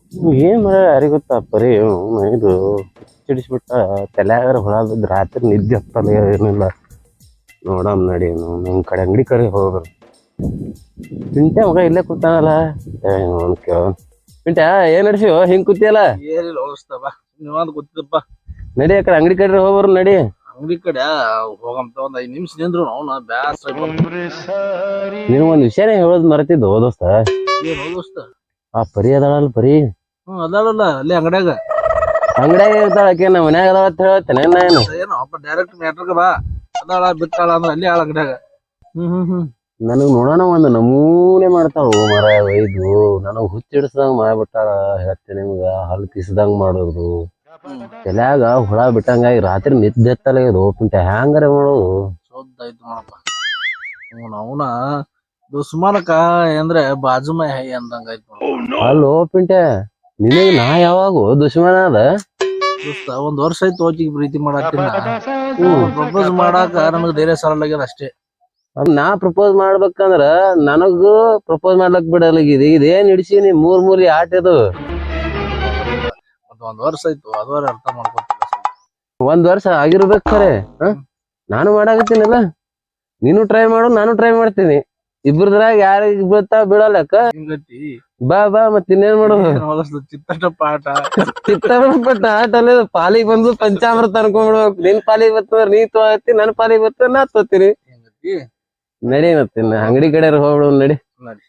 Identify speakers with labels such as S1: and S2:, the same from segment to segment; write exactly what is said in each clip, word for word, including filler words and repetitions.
S1: ಏನ್ ಮಾಡ ಯಾರಿಗ ಗೊತ್ತಾ ಪರಿ ಅವ್ನು ಇದು ಚಿಡಿಸ್ಬಿಟ್ಟ ತಲ್ಯಾಗಾರ ಹೊಳ ಬಿದ್ದ ರಾತ್ರಿ ನಿದ್ದೆ ಹತ್ತಲ್ಲ ಏನಿಲ್ಲ. ನೋಡಮ್ ನಡಿ ನಮ್ ಕಡೆ ಅಂಗಡಿ ಕಡೆ ಹೋಗ್ರು. ಪಿಂಟ್ಯ ಮಗ ಇಲ್ಲೇ ಕೂತಾನಲ್ಲ. ಪಿಂಟ್ಯ ಏನ್ ನಡ್ಸಿವ ಹಿಂಗ್ ಕೂತಿಯಲ್ಲ?
S2: ಏನಿಲ್ಲ ಹೋಗಿಸ್ತವ ನೀವಂದ್ ಗೊತ್ತಿದ್ದಪ್ಪ.
S1: ನಡಿ ಆ ಕಡೆ ಅಂಗಡಿ ಕಡೆ ಹೋಗ್ಬರು ನಡಿ.
S2: ಅಂಗಡಿ ಕಡೆ ಹೋಗಂತ ಒಂದ್ ಐದ್ ನಿಮಿಷ ನಿಂದ್ರು ಅವ್ನ ಬ್ಯಾಸ್ರ.
S1: ನೀನು ಒಂದ್ ವಿಷಯನೇ ಹೇಳೋದ್ ಮರ್ತಿದ್ದು ದೋಸ್ತ.
S2: ಏನ್ ಹೋಗಿಸ್ತ
S1: ಆ ಪರಿ ಅದಾಳಲ್ಲ ಪರಿ.
S2: ಹ್ಮ್ ಅದಾಳಲ್ಲ ಅಲ್ಲಿ ಅಂಗಡ್ಯಾಗ.
S1: ಅಂಗಡ್ಯಾಗ ಇರ್ತಾಳ ಆಕೆ ನಮ್ಮ ಮನ್ಯಾಗ ಅದಾಳ ಅಂತ ಹೇಳ್ತೇನೆ ನಾನು.
S2: ಏನು ಅಪ್ಪ ಡೈರೆಕ್ಟ್ ಮ್ಯಾಟ್ರಿಗ ಬಾ. ಅದಾಳ ಬಿಟ್ಟಾಳ ಅಂದ್ರ ಅಲ್ಲಿ ಆಳ ಅಂಗಡ್ಯಾಗ. ಹ್ಮ್ ಹ್ಮ್ ಹ್ಮ್
S1: ನನಗ್ ನೋಡೋಣ ಒಂದ್ ನಮೂನೆ ಮಾಡ್ತಾಳು ಮರ ಒಯ್ದು ನನಗ್ ಹುಚ್ಚಿಡ್ಸ್ದಂಗ ಮಾಡ್ಬಿಟ್ಟಾಳ. ಹೇಳ್ತೇನೆ ನಿಮ್ಗ ಹಲ್ ಕಿಸ್ದಂಗ ಮಾಡೋದು ತಲ್ಯಾಗ ಹುಳ ಬಿಟ್ಟಂಗಾಗಿ ರಾತ್ರಿ ನಿದ್ದೆ ಎತ್ತಲ್ಲ ಇದು ಪಿಂಟ ಹ್ಯಾಂಗಾರ ಮಾಡೋದು.
S2: ಸೋದ್ದಾಯ್ತು ನೋಡಪ್ಪ. ಹ್ಮ್ ಅವನ ದುಸ್ಮಾನಕ ಅಂದ್ರೆ ಬಾಜುಮ ಹೈ ಅಂದಂಗ ಆಯ್ತು.
S1: ಅಲ್ಲೋ ಪಿಂಟೆ ನಿನಗ್ ನಾ ಯಾವಾಗ ದುಶ್ಮನ ಅದ?
S2: ದೋಸ್ತ ಒಂದ್ ವರ್ಷ ಆಯ್ತು ಹೋಗಿಗೆ ಪ್ರೀತಿ ಮಾಡಾಕಿನ. ಪ್ರಪೋಸ್ ಮಾಡಾಕ ನಮಗ್ ಧೈರ್ಯ ಸಾಲಾಗ್ಯದ ಅಷ್ಟೇ.
S1: ನಾ ಪ್ರಪೋಸ್ ಮಾಡ್ಬೇಕಂದ್ರ ನನಗೂ ಪ್ರಪೋಸ್ ಮಾಡ್ಲಕ್ ಬಿಡಲಾಗಿದೆ. ಇದೇನ್ ಹಿಡ್ಸೀನಿ ಮೂರ್ ಮೂರಿ ಆಟ ಇದು.
S2: ಒಂದ್ ಒಂದ್ ವರ್ಷ ಆಯ್ತು ಅದವರ ಅರ್ಥ ಮಾಡ್ಕೊತಿಲ್ಲ.
S1: ಒಂದ್ ವರ್ಷ ಆಗಿರ್ಬೇಕ್ ಖರೆ. ಹ ನಾನು ಮಾಡಾಕತ್ತೀನಲ್ಲ, ನೀನು ಟ್ರೈ ಮಾಡು ನಾನು ಟ್ರೈ ಮಾಡ್ತೀನಿ. ಇಬ್ರದ್ರಾಗ ಯಾರಿಗ್ ಬೀಳ್ತಾ ಬೀಳಲ್ಲಕ್ಕ.
S2: ಹಿಂಗತಿ
S1: ಬಾ ಬಾ ಮತ್ ಇನ್ನೇನ್ ಮಾಡೋದು.
S2: ಚಿತ್ತಷ್ಟ ಆಟ
S1: ಚಿತ್ತಪಟ್ಟ ಆಟ ಅಲ್ಲ ಪಾಲಿಗೆ ಬಂದು ಪಂಚಾಮೃತ ಅನ್ಕೊಂಡ್ಬಿಡ್ಬೇಕು. ನಿನ್ ಪಾಲಿಗೆ ಬರ್ತಂದ್ರ ನೀ ತೋತಿ, ನನ್ ಪಾಲಿಗೆ ಬರ್ತಂದ್ರ ನಾ ತೋತೀನಿ. ನಡಿ ಮತ್ತಿನ್ನ ಅಂಗಡಿ ಕಡೆ ಹೋಗ್ಬಿಡು ನಡಿ.
S2: ನಡಿ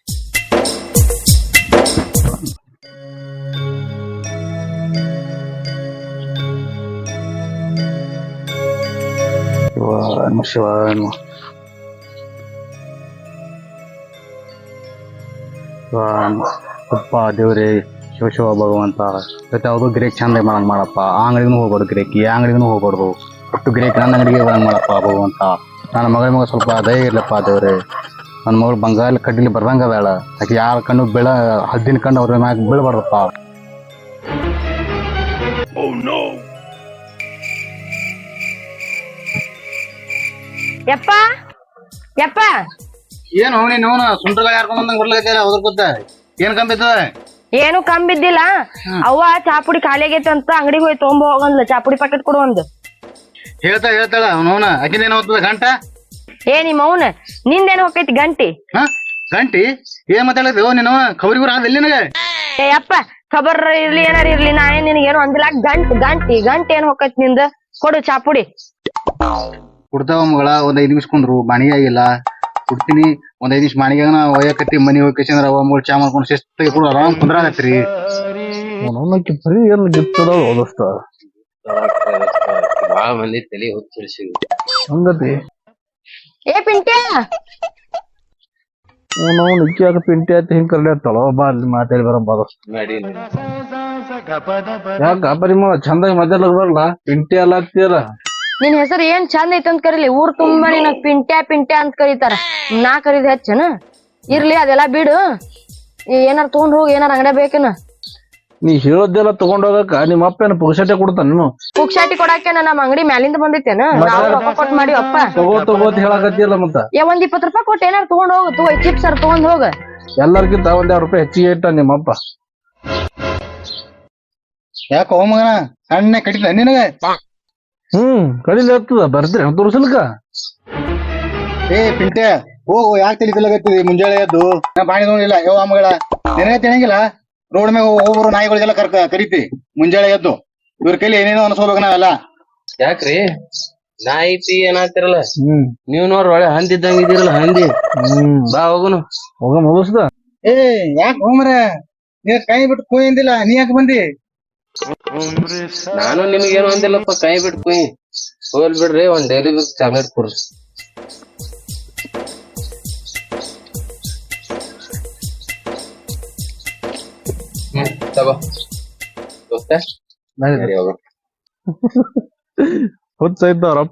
S3: ಶಿವ ಅಪ್ಪ ದೇವ್ರಿ ಶಿವ ಶಿವ ಭಗವಂತ ಜೊತೆ ಯಾವುದು ಗಿರೇಕ್ ಚಂದ ಮಾಡಂಗ್ ಮಾಡಪ್ಪ. ಆ ಅಂಗಡಿಗೂ ಹೋಗ್ಬಾರ್ದು ಗಿರೇಕ್, ಈ ಅಂಗಡಿಗೂ ಹೋಗ್ಬಾರ್ದು. ಒಟ್ಟು ಗಿರೇಕ್ ನನ್ನ ಅಂಗಡಿಗೆ ಬರಂಗ್ ಮಾಡಪ್ಪ ಭಗವಂತ. ನನ್ನ ಮಗಳ ಮಗ ಸ್ವಲ್ಪ ದಯ ಇರ್ಲಪ್ಪ ದೇವ್ರಿ. ನನ್ನ ಮಗಳು ಬಂಗಾರ ಕಡ್ಡಿಲಿ ಬರ್ದಂಗ ಬೇಡ. ಆಕೆ ಯಾರ ಕಣ್ಣು ಬೆಳ ಹದ್ದಿನ ಕಣ್ಣು ಅವ್ರ ಮ್ಯಾಗ ಬೀಳ್ಬಾರ್ದಪ್ಪ.
S4: ಯಪ್ಪ ಯಪ್ಪ
S3: ಏನು ನೀನು ಸುಂಟ್ರಗ ಯಾರ್ಕೊಂಡ್ ಬಂದಂಗ ಬರ್ಲಾಗತ್ತಿಲ್ಲ ಅದ್ರ ಗೊತ್ತ ಏನ್ ಕಂಬಿತ್ತದ?
S4: ಏನು ಕಮ್ಮಿ ಬಿದ್ದಿಲ್ಲ. ಅವ್ವ ಚಾಪುಡಿ ಖಾಲಿ ಆಗೈತೆ ಅಂತ ಅಂಗಡಿಗೆ ಹೋಗಿ ತೊಗೊಂಬ ಹೋಗಂದ್ಲ. ಚಾಪುಡಿ ಪ್ಯಾಕೆಟ್ ಕೊಡು ಒಂದು.
S3: ಹೇಳ್ತಾ ಹೇಳ್ತಾಳ ಅವನವನ ಆಕಿನೇನ್ ಹೋಗ್ತದ ಗಂಟ.
S4: ಏ ನಿಮ್ಮ ಅವನ ನಿಂದೇನು ಹೋಗೈತಿ ಗಂಟಿ?
S3: ಹ ಗಂಟಿ ಏನ್ ಮಾತಾಡಿದ್ವಿ ನೀನು ಖಬರಿಗೂ ರಾದ ಎಲ್ಲಿ ನನಗೆ?
S4: ಏ ಯಪ್ಪ ಖಬರ್ ಇರ್ಲಿ ಏನಾರ ಇರ್ಲಿ ನಾ ಏನ್ ನಿನಗೇನು ಅಂದಿಲ್ಲ. ಗಂಟ್ ಗಂಟಿ ಗಂಟ್ ಏನ್ ಹೋಗೈತಿ ನಿಂದ? ಕೊಡು ಚಾಪುಡಿ.
S3: ಕೊಡ್ತಾವ ಮಗಳ ಒಂದ್ ಐದ್ ನಿಮಿಷ ಕುಂದ್ರು ಬಾಣಿಗೆ ಆಗಿಲ್ಲ ಕೊಡ್ತೀನಿ. ಒಂದ್ ಐದ್ ನಿಮಿಷ ಬಾಣಿಗೆ ಒಯ್ಯಕತ್ತಿ ಮನಿ ಹೋಗಿ ಅವ ಮೂರ್ ಚಾ ಮಾಡ್ಕೊಂಡು ಶಿಸ್ತಾಗಿ ಕೂಡ ಆರಾಮ್ ಕುಂದ್ರಾಗತ್ರಿ.
S2: ಅವನಕ್ಕೆ ಬರೀ ಏನ್ ಗಿತ್ತದ ಓದಸ್ತ
S1: ಬಾಳ ಮಂದಿ ತಲೆ ಹುಚ್ಚಿಡ್ಸಿ
S2: ಹಂಗತಿ.
S4: ಏ ಪಿಂಟ್ಯಾ
S2: ನಾವು ನಿಕ್ಕಿ ಆಗ ಪಿಂಟಿ ಆಯ್ತು ಹಿಂಗ್ ಕರ್ಲಿ ಆಯ್ತಳ ಬಾ ಅಲ್ಲಿ ಮಾತಾಡಿ ಬರ ಬಾದಸ್ತ
S1: ನಡಿ.
S2: ಯಾಕ ಪರಿಮಳ ಚಂದಾಗಿ ಮಾತಾಡ್ಲಕ್ ಬರಲ್ಲ? ಪಿಂಟಿ ಅಲ್ಲ ಆಗ್ತೀಯಲ್ಲ.
S4: ನಿನ್ ಹೆಸರು ಏನ್ ಚಂದ ಐತಿ ಅಂತ ಕರೀಲಿ. ಊರ್ ತುಂಬಾ ನಿನ ಪಿಂಟ್ಯಾ ಪಿಂಟ್ಯಾ ಅಂತ ಕರೀತಾರ. ನಾ ಕರೀದ್ ಹೆಚ್ಚನ? ಇರ್ಲಿ ಅದೆಲ್ಲಾ ಬಿಡು. ಏನಾರ ತಗೊಂಡ್ ಹೋಗಿ ಏನಾರ ಅಂಗಡಿ ಬೇಕೇನ?
S2: ನೀ ಹೇಳೋದೆಲ್ಲ ತಗೊಂಡ್ ಹೋಗಕ್ಕ ನಿಮ್ಮ ಅಪ್ಪ ಏನ ಪುಕ್ಷಟೆ ಕೊಡ್ತಾನ? ನೀನು
S4: ಪುಕ್ಷಾಟಿ ಕೊಡಾಕೇನ ನಮ್ಮ ಅಂಗಡಿ ಮ್ಯಾಲಿಂದ ಬಂದೈತೇನ? ನಾವು ರೊಕ್ಕ ಕೊಟ್ಟು ಮಾಡಿವಪ್ಪ.
S2: ತಗೋ ತಗೋತ್ ಹೇಳಕತ್ತಿಯಲ್ಲ ಮತ್ತ.
S4: ಏ ಒಂದ್ ಇಪ್ಪತ್ ರೂಪಾಯಿ ಕೊಟ್ಟು ಏನಾರ ತಗೊಂಡ್ ಹೋಗ. ತಗೋ ಚಿಪ್ಸ್ ಅರ್ ತಗೊಂಡ್ ಹೋಗ.
S2: ಎಲ್ಲರಿಗಿಂತ ಒಂದ್ ಎರಡ್ ರೂಪಾಯಿ ಹೆಚ್ಚಿಗೆ ಇಟ್ಟ ನಿಮ್ಮಪ್ಪ.
S3: ಯಾಕ ಹೋಗ ಮಗನ ಸಣ್ಣ ಕಡಿತ ನಿನಗೆ?
S2: ಹ್ಮ್ ಕಡಿಲಿ ಆಗ್ತದ ಬರ್ತೀರಿ ತೋರ್ಸಲ್ಕ.
S3: ಏ ಪಿಂಟೆ ಹೋಗು ಯಾಕೆ ತಿಳಿಸಲಾಗತ್ತಿದಿ ಮುಂಜಾನೆ ಎದ್ದು ನಾ ಬಾಣಿ ನೋಡಿಲ್ಲ ಯಾವ ಮಗಳ ನಿನಗೆ ತಿಳಂಗಿಲ್ಲ. ರೋಡ್ ಮ್ಯಾಗ ಹೋಗೋರು ನಾಯಿಗಳಿಗೆಲ್ಲ ಕರ್ಕ ಕರಿತಿ ಮುಂಜಾನೆ ಎದ್ದು. ಇವ್ರ ಕೈಲಿ ಏನೇನೋ ಅನ್ಸ್ಕೋಬೇಕು ನಾವೆಲ್ಲ.
S1: ಯಾಕ್ರಿ ನಾ ಐತಿ ಏನಾತಿರಲ್ಲ?
S2: ಹ್ಮ್
S1: ನೀವ್ ನೋಡ್ರಿ ಒಳ್ಳೆ ಹಂದಿ ಇದ್ದಂಗ ಇದೀರಲ್ಲ ಹಂದಿ.
S2: ಹ್ಮ್
S1: ಬಾ ಹೋಗುನು.
S2: ಹೋಗ ಮುಗಿಸ್ದ.
S3: ಏ ಯಾಕೆ ಹೋಮ್ರ ನೀನ್ ಕೈ ಬಿಟ್ಟು ಕೂಯಿಂದಿಲ್ಲ ನೀ ಯಾಕೆ ಬಂದಿ?
S1: ನಾನು ನಿಮ್ಗೇನು ಅಂದಿಲ್ಲಪ್ಪ ಕೈ ಬಿಟ್ಟು ಕುಯ್. ಹೋಲ್ ಬಿಡ್ರಿ ಒಂದ್ ಡೈಲಿ ಬೇಕ್ ಚಾಕ್ಲೇಟ್ ಕೊಡ್ರಿ. ಹ್ಮ್ ತಗೋ ದೋಸ್ತ ನಡಿ ಹೋಗೋಣ.
S2: ಹುಚ್ಚಾಯ್ತು ಅವ್ರಪ್ಪ.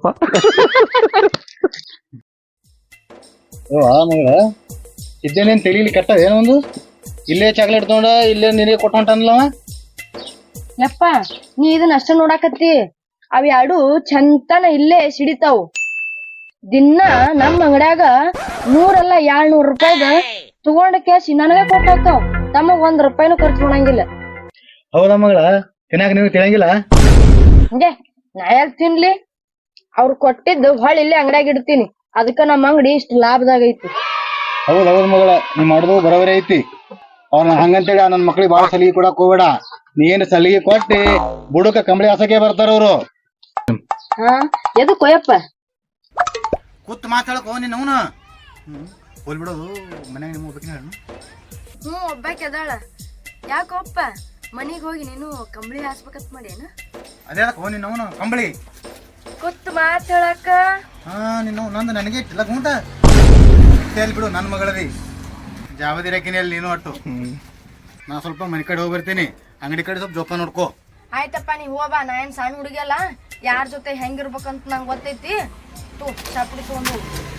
S3: ಮಗಳ ಇದ್ದೇನೇನ್ ತಿಳಿಲಿ ಕೆಟ್ಟ ಏನೊಂದು ಇಲ್ಲೇ ಚಾಕ್ಲೇಟ್ ತಗೊಂಡ ಇಲ್ಲೇ ನಿನಗೆ ಕೊಟ್ಟು ಹೊಂಟನಲ್ಲವ.
S4: ಯಪ್ಪ ನೀ ಇದನ್ನ ಅಷ್ಟ ನೋಡಾಕತ್ತಿ. ಅವ್ ಎರಡು ಚಂತನ ಇಲ್ಲೇ ಸಿಡಿತಾವ್. ದಿನ ನಮ್ ಅಂಗಡ್ಯಾಗ ನೂರಲ್ಲ ಏಳ್ನೂರ್ ರೂಪಾಯಿದ ತಗೊಂಡ ಕೇಸಿ ನನಗ ಕೊಟ್ಟಾವ್. ತಮಗ್ ಒಂದ್ ರೂಪಾಯಿನೂ ಖರ್ಚು ಮಾಡಂಗಿಲ್ಲ.
S3: ಹೌದಾ ಮಗಳ ತಿನ್ನಾಕ ನೀವು ತಿಳಂಗಿಲ್ಲ
S4: ಹಂಗೆ ನಾ ಯಾಕ್ ತಿನ್ಲಿ ಅವ್ರು ಕೊಟ್ಟಿದ್ದು ಹೊಳ್ ಇಲ್ಲೇ ಅಂಗಡ್ಯಾಗ ಇಡ್ತೀನಿ ಅದಕ್ಕ ನಮ್ಮ ಅಂಗಡಿ ಇಷ್ಟ ಲಾಭದಾಗ ಐತಿ.
S3: ಹೌದ್ ಹೌದ್ ಮಗಳ ನೀ ಮಾಡುದು ಬರೋಬರಿ ಐತಿ. ಅವ್ನ ಹಂಗಂತೇಳಿ ನನ್ನ ಮಕ್ಳಿಗೆ ಬಾಳ ಸಲಿಗೆ ಕೊಡಕ್ ಹೋಗ್ಬೇಡ. ನೀ ಏನ್ ಸಲಿಗೆ ಕೊಟ್ಟಿ ಬುಡಕ ಕಂಬಳಿ ಹಾಸಕ್ಕೆ ಬರ್ತಾರ ಅವ್ರು.
S4: ಹಾ ಎದು ಕೊಯಪ್ಪ
S3: ಕೂತ್ ಮಾತಾಡಕ್ ನೀನ್ ಅವನು ಹೋಲ್ ಬಿಡೋದು ಮನ್ಯಾಗ ನಿಮ್ಮ ಹೋಗ್ಬೇಕಿನ ಹೇಳು.
S4: ಹ್ಞೂ ಒಬ್ಬಾಕಿ ಅದಾಳ. ಯಾಕೊಪ್ಪ ಮನಿಗ್ ಹೋಗಿ ನೀನು ಕಂಬಳಿ ಹಾಸ್ಬೇಕಂತ ಮಾಡೇನ?
S3: ಅದೇ ಹೋ ನಿನ್ನ ಅವನು ಕಂಬಳಿ
S4: ಕೂತ್ ಮಾತ್ ಹೇಳಕ್ಕ.
S3: ಹಾ ನಿನ್ನ ನಂದು ನನಗೆ ಇಟ್ಟಿಲ್ಲ ಗುಂಟ ಹೇಳಿ ಬಿಡು ನನ್ನ ಮಗಳರಿ ಜಾವದಿರಕಿನಲ್ಲಿ ನೀನು ಒಟ್ಟು. ನಾ ಸ್ವಲ್ಪ ಮನೆ ಕಡೆ ಹೋಗಿ ಬರ್ತೀನಿ, ಅಂಗಡಿ ಕಡೆ ಸ್ವಲ್ಪ ಜೋಪಾನ ನೋಡ್ಕೋ.
S4: ಆಯ್ತಪ್ಪ ನೀ ಹೋಗ್ಬಾ, ನಾ ಏನ್ ಸಣ್ಣ ಹುಡುಗಿಯಲ್ಲ, ಯಾರ ಜೊತೆ ಹೆಂಗಿರ್ಬೇಕಂತ ನಂಗೆ ಗೊತ್ತೈತಿ. ತೂ ಚಾಪುಡಿ ತಗೊಂಡು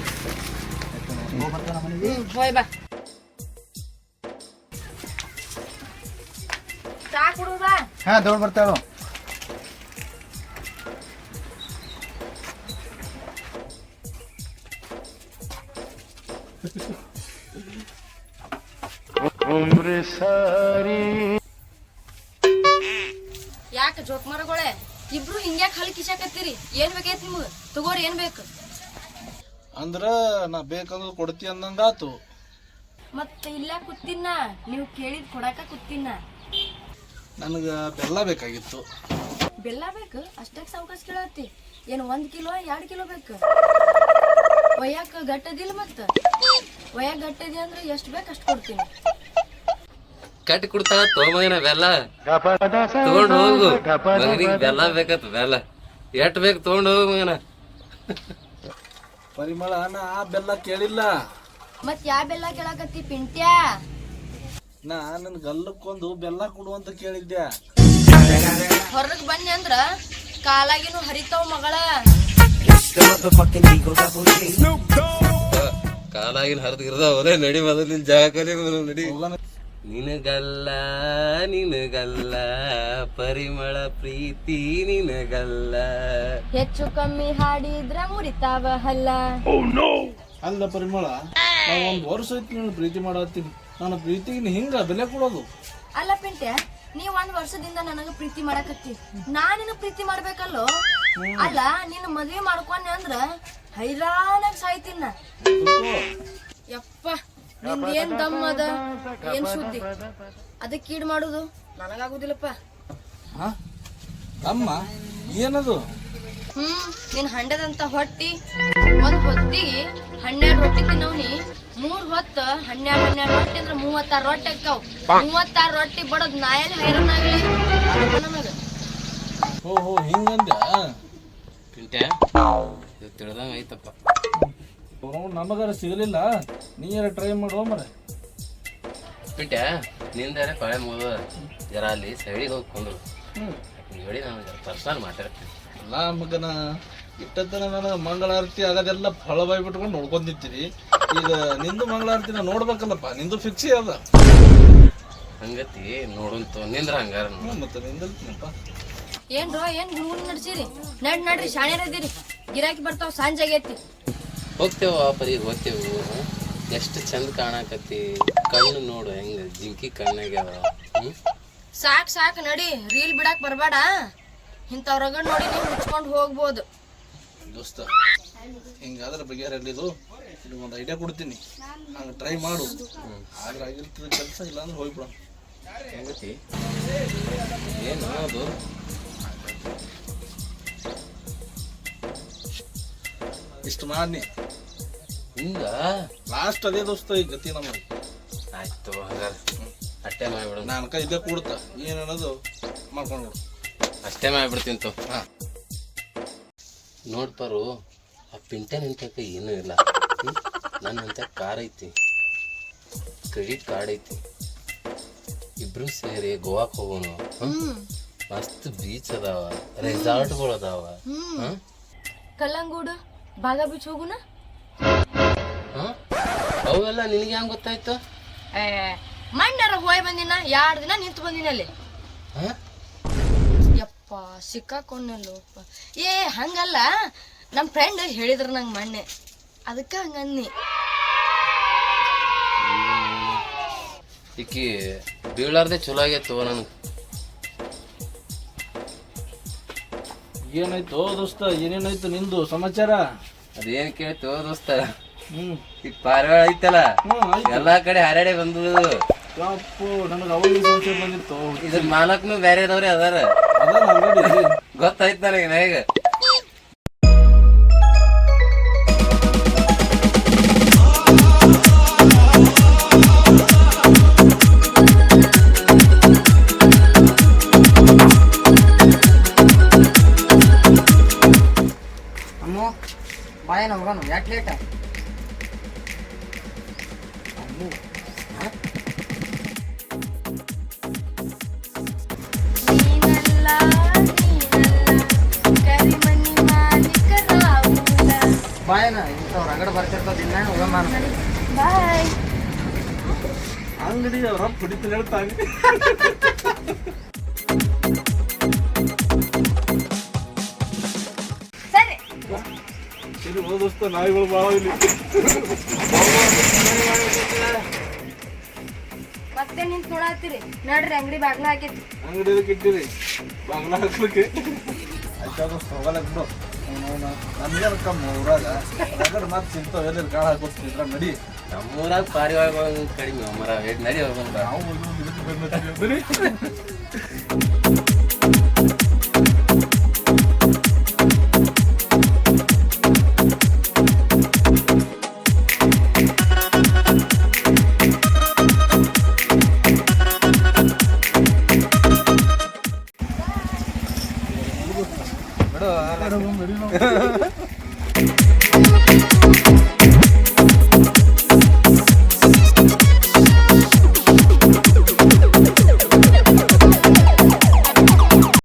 S4: ಹೋಯ್ ಬಾ. ಚಾ ಕುಡುದಾ?
S3: ಹಾ ದೌಡ್ ಬರ್ತಾಳು.
S4: ಯಾಕ ಜೋಕ್ ಮರಗೊಳೆ ಇಬ್ರು ಹಿಂಗ್ಯಾಕ್ ಹಳಿ ಕಿಶಾಕತ್ತೀರಿ? ಏನ್ ಬೇಕೈತಿ ನಿಮ್ಗ? ತಗೋರಿ ಏನ್ ಬೇಕು?
S2: ಅಂದ್ರ ನಾ ಬೇಕಂದ್ರೆ ಕೊಡ್ತಿ ಅಂದಂಗಾತು.
S4: ಮತ್ತ ಇಲ್ಲ ಕೂತಿನ, ನೀವು ಕೇಳಿದ್ ಕೊಡಾಕ ಕೂತಿನ.
S2: ನನಗ ಬೆಲ್ಲ ಬೇಕಾಗಿತ್ತು.
S4: ಬೆಲ್ಲ ಬೇಕು? ಅಷ್ಟಾಕ್ ಸಾವ್ಕಾಸ್ ಕೇಳತ್ತಿ? ಏನ್ ಒಂದ್ ಕಿಲೋ ಎರಡ್ ಕಿಲೋ ಬೇಕು? ಒಯ್ಯಾಕ ಗಟ್ಟದಿಲ್ಲ ಮತ್ತ? ಒಯ್ಯಾಕ ಗಟ್ಟದಿ ಅಂದ್ರೆ ಎಷ್ಟ್ ಬೇಕು ಅಷ್ಟ್ ಕೊಡ್ತೀನಿ.
S1: ಕಟ್ಟಿ ಕೊಡ್ತಾಳ ತೋಮಗನ ಬೆಲ್ಲ ತಗೊಂಡ್ ಹೋಗು. ಮಗನಿಗೆ ಬೆಲ್ಲ ಬೇಕತ್ ಬೆಲ್ಲ ಎಟ್ ಬೇಕು ತಗೊಂಡ್ ಹೋಗು ಮಗನ.
S2: ಪರಿಮಳ ನಾ ಆ ಬೆಲ್ಲ ಕೇಳಿಲ್ಲ.
S4: ಮತ್ ಯಾ ಬೆಲ್ಲ ಕೇಳಾಕತ್ತಿ ಪಿಂಟ್ಯಾ?
S2: ನಾ ನನ್ ಗಲ್ಲಕ್ಕೊಂದು ಬೆಲ್ಲ ಕೊಡು ಅಂತ ಕೇಳಿದ್ದೆ.
S4: ಹೊರಗ್ ಬನ್ನಿ ಅಂದ್ರ ಕಾಲಾಗಿನೂ ಹರಿತಾವ್ ಮಗಳ.
S1: ಕಾಲಾಗಿನ ಹರಿದಿರ್ದಾವಲೇ ನಡಿ ಮೊದಲು ನಿನ್ ಜಾಗ ಕಲಿ ನಡಿ. ನಿನಗಲ್ಲ ನಿನಗಲ್ಲ ಪರಿಮಳ ಪ್ರೀತಿ ನಿನಗಲ್ಲ.
S4: ಹೆಚ್ಚು ಕಮ್ಮಿ ಹಾಡಿದ್ರ ಮುರಿತಾವ ಹಲ್ಲ.
S2: ಅಲ್ಲ ಪರಿಮಳ, ನಾ ಒಂದ್ ವರ್ಷ ಐತಿ ನೀನು ಪ್ರೀತಿ ಮಾಡತ್ತೀನಿ. ನನ್ನ ಪ್ರೀತಿಗೆ ಹಿಂಗ ಬೆಲೆ ಕೊಡೋದು?
S4: ಅಲ್ಲ ಪಿಂಟ್ಯ, ನೀವ್ ಒಂದ್ ವರ್ಷದಿಂದ ನನಗ ಪ್ರೀತಿ ಮಾಡಕತ್ತಿ, ನಾ ನಿನ್ನ ಪ್ರೀತಿ ಮಾಡ್ಬೇಕಲ್ಲೋ? ಅಲ್ಲ ನಿನ್ನ ಮದ್ವಿ ಮಾಡ್ಕೊಂಡೆ ಅಂದ್ರ ಹೈರಾಣಾಗ ಸಾಯ್ತೀನ. ಯಪ್ಪ ನಿಂದ ಏನ್ ದಮ್ ಅದ, ಏನ್ ಸುದ್ದಿ? ಅದಕ್ಕೆ ಕೀಡ್ ಮಾಡುದು ನನಗಾಗುದಿಲ್ಲಪ್ಪ.
S2: ಹಾ ಅಮ್ಮ ಏನದು?
S4: ಹ್ಮ್ ನಿನ್ ಹಂಡದಂತ ಹೊಟ್ಟಿ ಒಂದ್ ಹೊತ್ತಿಗೆ ಹನ್ನೆರಡು ರೊಟ್ಟಿ ತಿನ್ನವ್ನಿ. ಮೂರ್ ಹೊತ್ತ ಹನ್ನೆರಡು ಹನ್ನೆರಡು ರೊಟ್ಟಿ ಅಂದ್ರ ಮೂವತ್ತಾರು ರೊಟ್ಟಿ ಅಕ್ಕಾವ್. ಮೂವತ್ತಾರು ರೊಟ್ಟಿ ಬಡದ್ ನಾಯಲ್ಲಿ ಹೈರಾಣ ಆಗಲಿ ನನಗ.
S2: ಹೋ ಹೋ ಹಿಂಗಂದ
S1: ಪಿಂಟ್ಯಾ ಇದು ತಿಳಿದಂಗ ಐತಪ್ಪ.
S2: ನಮಗಾರ ಸಿಗಲಿಲ್ಲ, ನೀರ ಟ್ರೈ ಮಾಡುವ ಮರ.
S1: ಪಿಂಟ್ಯಾ ನಿಂದಾರೆ ಪಳೆ ಮುಗಿದ ಜರ ಅಲ್ಲಿ ಸೈಡಿಗೆ ಹೋಗಿ ಕೊಂಡ್ರು ಹೇಳಿ ನಾನು ಪರ್ಸನಲ್ ಮಾತಾಡ್ತೀನಿ.
S2: ಅಲ್ಲ ಮಗನ ಇಟ್ಟತನ ನಾನು ಮಂಗಳಾರತಿ ಆಗೋದೆಲ್ಲ ಫಳ ಬಾಯ್ ಬಿಟ್ಕೊಂಡು ನೋಡ್ಕೊಂಡ್ ನಿಂತೀನಿ. ಈಗ ನಿಂದು ಮಂಗಳಾರತಿನ ನೋಡ್ಬೇಕಲ್ಲಪ್ಪ, ನಿಂದು ಫಿಕ್ಸಿ ಅದ.
S1: ಹಂಗತಿ ನೋಡಂತ ನಿಂದ್ರ ಹಂಗಾರ
S2: ಮತ್ತೆ ನಿಂದಲ್ತೀನಪ್ಪ.
S4: ಏನ್ರೋ ಏನ್ ಗುಣಗುಣ ನಡ್ಸಿರಿ? ನಡ್ ನಡ್ರಿ ಶಾಣ್ಯರ ಇದೀರಿ, ಗಿರಾಕಿ ಬರ್ತಾವ ಸಂಜೆ ಆಗೈತಿ.
S1: ಹೋಗ್ತೇವ ಪರಿ ಹೋಗ್ತೇವು. ಎಷ್ಟು ಚಂದ ಕಾಣಕತ್ತಿ, ಕಣ್ಣು ನೋಡು ಹೆಂಗ ಜಿಂಕಿ ಕಣ್ಣಾಗ್ಯಾವ. ಹ್ಮ್
S4: ಸಾಕ್ ಸಾಕ್ ನಡಿ, ರೀಲ್ ಬಿಡಾಕ್ ಬರ್ಬೇಡ. ಇಂಥವ್ರಾಗ ನೋಡಿ ನೀವು ಮುಚ್ಕೊಂಡು ಹೋಗ್ಬೋದು.
S2: ದೋಸ್ತ ಹಿಂಗಾದ್ರೆ ಬಗೆಹರಿದು ಇದು ಒಂದು ಐಡಿಯಾ ಕೊಡ್ತೀನಿ, ಹಂಗೆ ಟ್ರೈ ಮಾಡು. ಆದ್ರೆ ಆಗಿರ್ತದ ಕೆಲಸ, ಇಲ್ಲಾಂದ್ರೆ ಹೋಗ್ಬಿಡ.
S1: ಹೆಂಗತಿ ಏನು ಅದು?
S2: ಇಷ್ಟು ಮಾಡಿ
S1: ಹಿಂಗ
S2: ಲಾಸ್ಟ್ ಅದೇ ದೋಸ್ತ ಈ ಗತಿ ನಮಗೆ.
S1: ಆಯ್ತು ಹಂಗಾರ ಅಷ್ಟೇ ಮಾಡ್ಬಿಡು.
S2: ನಾನು ಕೈ ಇಲ್ಲೇ ಕೂಡ್ತ ಏನನ್ನೋದು ಮಾಡ್ಕೊಂಡು
S1: ಅಷ್ಟೇ ಮಾಡ್ಬಿಡ್ತೀನಿ ತೋ.
S2: ಹಾಂ
S1: ನೋಡ್ಪಾರು, ಆ ಪಿಂಟೆ ನಿಂತಕ ಏನೂ ಇಲ್ಲ. ನನ್ನಂತ ಕಾರ್ ಐತಿ, ಕ್ರೆಡಿಟ್ ಕಾರ್ಡ್ ಐತಿ, ಇಬ್ರು ಸೇರಿ ಗೋವಾಕ್ ಹೋಗೋಣ. ಮಸ್ತ್ ಬೀಚ್ ಅದಾವ, ರೆಸಾರ್ಟ್ಗಳು ಅದಾವ.
S4: ಕಲ್ಲಂಗೂಡು ಬಾಗ ಬೀಚ್ ಹೋಗುನ.
S1: ಅವೆಲ್ಲ ನಿನಗೆ ಹೆಂಗ್ ಗೊತ್ತಾಯ್ತು?
S4: ಮಣ್ಣಾರ ಹೋಯ್ ಬಂದಿನ, ಎರಡ್ ದಿನ ನಿಂತು ಬಂದಿನ ಅಲ್ಲಿ. ಯಪ್ಪ ಸಿಕ್ಕಾಕೊಂಡಲ್ಲಪ್ಪ. ಏ ಹಂಗಲ್ಲ, ನಮ್ ಫ್ರೆಂಡ್ ಹೇಳಿದ್ರು ನಂಗೆ ಮೊನ್ನೆ, ಅದಕ್ಕ ಹಂಗನ್ನಿ.
S1: ಈಕಿ ಬೀಳಾರ್ದೆ ಚಲೋ ಆಗೈತು ನನಗೆ.
S2: ಏನಾಯ್ತು ದೋಸ್ತ ಏನೇನಾಯ್ತು ನಿಂದು ಸಮಾಚಾರ?
S1: ಅದೇನ್ ಕೇಳ್ತು ದೋಸ್ತ,
S2: ಹ್ಮ್
S1: ಈ ಪಾರಿವಾಳ ಐತಲ್ಲ
S2: ಹ್ಮ್ ಆಯ್ತು.
S1: ಎಲ್ಲಾ ಕಡೆ ಹಾರಾಡೆ ಬಂದು
S2: ಯಪ್ಪು ನನಗೆ ಅವಾಗ ಸಂಶಯ ಬಂದಿತ್ತು.
S1: ಇದ್ರ ಮಾಲಕ್ನು ಬೇರೆ ಇದಾವ್ರಿ ಅದಾರ,
S2: ಅದ ಆಲ್ರೆಡಿ
S1: ಗೊತ್ತಾಯ್ತು ನನಗೆ ನಾಗ.
S5: ಅಮ್ಮು ಬಾಯ ನಮ್ಗನು ಯಾಕೆ ಲೇಟ?
S4: ನೀನಲ್ಲ ನೀನಲ್ಲ ಕರಿಮನಿ ಮಾಲೀಕ ರಾಹುಲ.
S5: ಬಾಯನ ಇಂಥವ್ರು ರಗಡ ಬರ್ತಿರ್ತಾವ ದಿನ ಹೋಗಮ್ಮ ನಾನು.
S4: ಬಾಯ್.
S2: ಅಂಗಡಿ ಅವ್ರ ಕುಡಿತೀನಿ ಹೇಳ್ತಾನೆ.
S4: ಸರಿ
S2: ಇದು ಓದೋಸ್ತ ನಾಯಿಗಳು ಭಾಳ ಇಲ್ಲಿ.
S4: ಮತ್ತೆ ನಿಂತ್ ನೋಡತ್ತೀರಿ ನಡ್ರಿ, ಅಂಗಡಿ ಬಾಗ್ಲ ಹಾಕೈತಿ.
S2: ಅಂಗಡಿ ಅದಕ್ಕೆ ಇಟ್ಟಿರಿ ಬಾಗ್ಲ ಹಾಕ್ಲಿಕ್ಕೆ. ಆಯ್ತಾ ದೋಸ್ತ ಹೋಗಲ್ಲ ಬಿಡು. ನಮ್ಗೇನು ಕಮ್ಮಿ ಊರಾಗ ರಗಡ್ ಮತ್ತೆ ಸಿಗ್ತಾವ, ಎಲ್ಲೆಲ್ಲಿ ಕಾಳು ಹಾಕೋಸ್ತಿದ್ರ ನಡಿ.
S1: ನಮ್ಮೂರಾಗ ಪಾರಿವಾಳಗಳು ಕಡಿಮೆ ಮರ ನಡಿ ಹೋಗ್ಬಂದ.
S2: ನಾವು ಇದಕ್ಕೆ ಬಂದಿದ್ದೀವಿ.
S5: ಬಿಡು